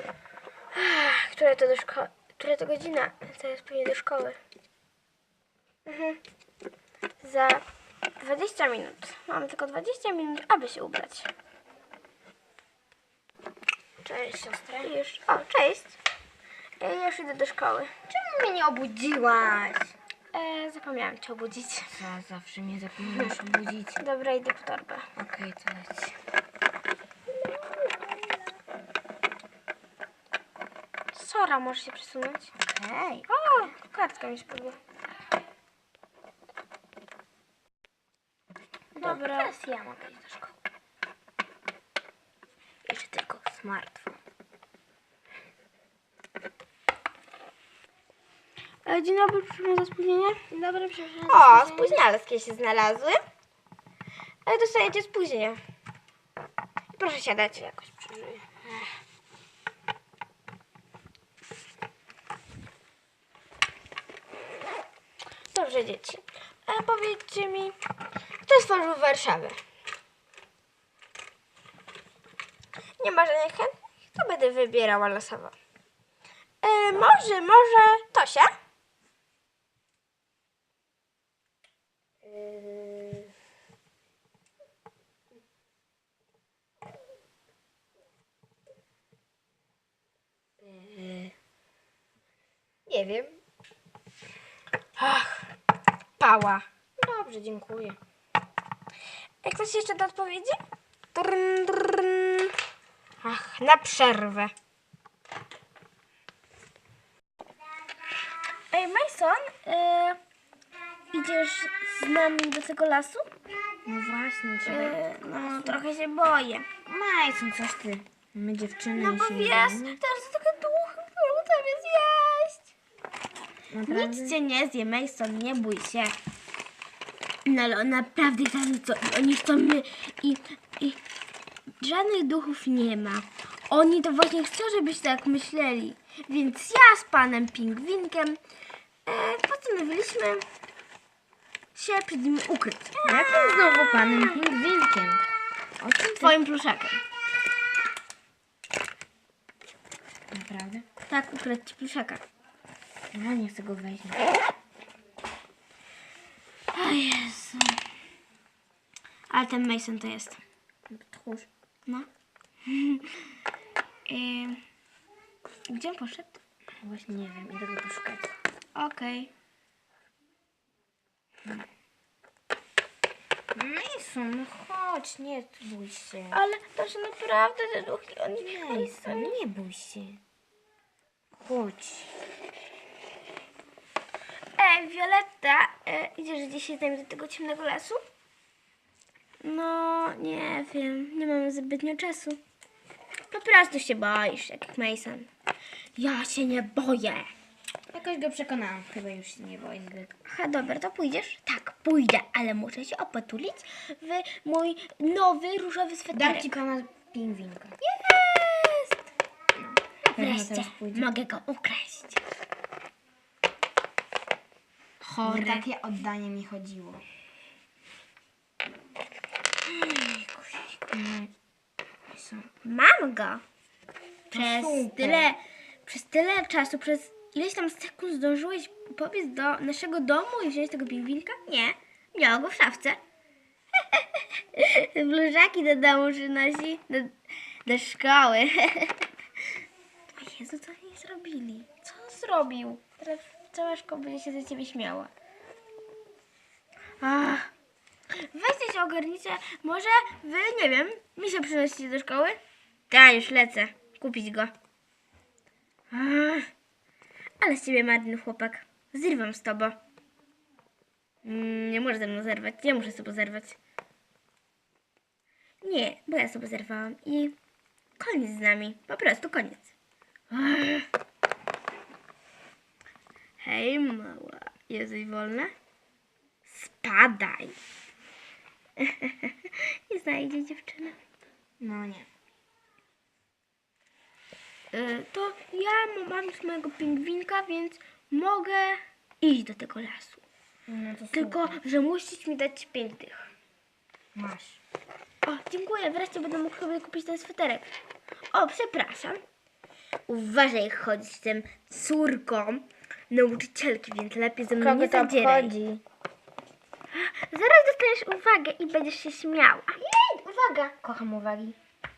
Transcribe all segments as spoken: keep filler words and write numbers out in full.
Która to do szkoły? Która to godzina? To jest pewnie do szkoły. Mhm. Za dwadzieścia minut. Mamy tylko dwadzieścia minut, aby się ubrać. Cześć, siostra. Już. O, cześć. Ja już idę do szkoły. Czemu mnie nie obudziłaś? E, zapomniałam cię obudzić. Co, zawsze mnie zapominasz obudzić. Dobra, idę po torbę. Okej, to leć. Sora, możesz się przesunąć? Okej. O, kartka mi spadła. Dobra. Teraz ja mogę iść do szkoły. Jeszcze tylko smartfon. E, dzień dobry, przepraszam za spóźnienie. Dzień dobry, przepraszam za O, spóźnienie. spóźnialskie się znalazły. Ale dostajecie spóźnienie. Proszę siadać. Jakoś przeżyję. Dobrze, dzieci. A powiedzcie mi, kto stworzył Warszawę? Nie ma żadnych chętnych? To będę wybierała losowo. E, może, może Tosia? Yy... Yy... Nie wiem. Ach, Pała. Dobrze, dziękuję. Jak ktoś jeszcze do odpowiedzi? Drn, drn. Ach, na przerwę. Ej, Mason, e, idziesz z nami do tego lasu? No właśnie, trzeba... E, no, trochę się boję. Majson, coś ty. My dziewczyny No bo się wiesz, boimy. teraz to takie duchy, które tam jest jeść. Naprawdę? Nic cię nie zje, Mason, nie bój się. No ale on naprawdę tam co, oni chcą my i, i żadnych duchów nie ma. Oni to właśnie chcą, żebyście tak myśleli. Więc ja z panem Pingwinkiem e, postanowiliśmy się przed nimi ukryć. Jakim znowu panem Pingwinkiem? O czym ty? Twoim pluszakiem. Naprawdę? Tak, ukryć ci pluszaka. No, nie chcę go wejść. O Jezu. Ale ten Mason to jest. Tchórz. No. Ym, Gdzie on poszedł? Właśnie nie wiem, idę go poszukać. Okej. Mason, no chodź, nie bój się. Ale to że naprawdę te duchy, oni Mason, nie bój się. Chodź. Ej, Violetta, e, idziesz dzisiaj z nami do tego ciemnego lasu? No, nie wiem, nie mamy zbytnio czasu. Po prostu się boisz, jak Mason. Ja się nie boję. Jakoś go przekonałam. Chyba już się nie boi zbyt. Aha, dobra, to pójdziesz? Tak, pójdę, ale muszę się opatulić w mój nowy różowy sweterek. Dam ci pana Pingwinka. Jest! Pewno Wreszcie teraz pójdzie. mogę go ukraść. O Chory. takie oddanie mi chodziło. Mam go. Przez super. tyle, przez tyle czasu, przez ileś tam sekund zdążyłeś pobiec do naszego domu i wziąć tego pingwinka? Nie. Miała go w szafce. Blużaki do domu przynosi, do, do szkoły. O Jezu, co oni zrobili? Co on zrobił? Teraz cała szkoła będzie się ze ciebie śmiała. Ach. Weźcie się ogarnijcie. Może wy, nie wiem, mi się przynosicie do szkoły? Ja już lecę. Kupić go. Ach. Ale z ciebie marny chłopak. Zrywam z tobą. Mm, nie możesz ze mną zerwać. Ja muszę sobie zerwać. Nie, bo ja sobie zerwałam i koniec z nami. Po prostu koniec. Ach. Hej, mała. Jesteś wolna? Spadaj. Nie znajdzie dziewczyny. No nie. Y, to ja mam już mojego pingwinka, więc mogę iść do tego lasu. No to Tylko, super. że musisz mi dać pięć tych. Masz. O, dziękuję. Wreszcie będę mógł sobie kupić ten sweterek. O, przepraszam. Uważaj, jak chodzić z tym córką nauczycielki, więc lepiej ze mną Kogo nie to zadzieraj. obchodzi? Zaraz dostaniesz uwagę i będziesz się śmiała. Jej, uwaga! Kocham uwagi.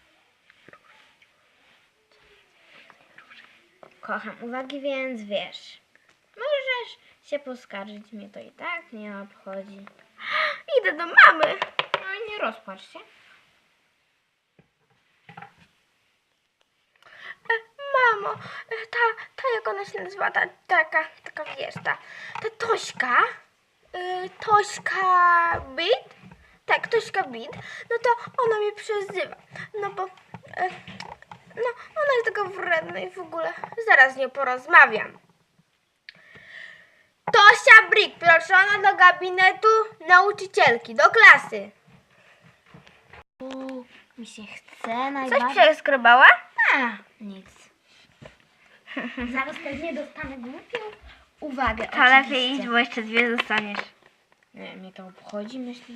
Kocham uwagi, więc wiesz. Możesz się poskarżyć, mnie to i tak nie obchodzi. Idę do mamy. No i nie rozpłacz się. E, mamo, e, ta, ta jak ona się nazywa, ta taka, taka wiesz, ta, ta Tośka, e, Tośka Bit, tak, Tośka Bit, no to ona mnie przezywa, no bo, e, no ona jest taka wredna i w ogóle, zaraz z nią porozmawiam. Tosia Brick, proszona do gabinetu nauczycielki, do klasy. U, mi się chce Coś najbardziej. przeskrobała? A, nic. Zaraz pewnie dostanę głupią uwagę. To lepiej oczywiście. idź, bo jeszcze dwie zostaniesz. Nie, mnie to obchodzi, myślisz?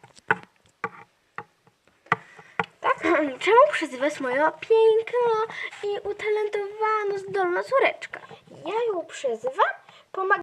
Tak? Czemu przezywasz moją piękną i utalentowaną, zdolną córeczkę? Ja ją przyzywam? Pomagam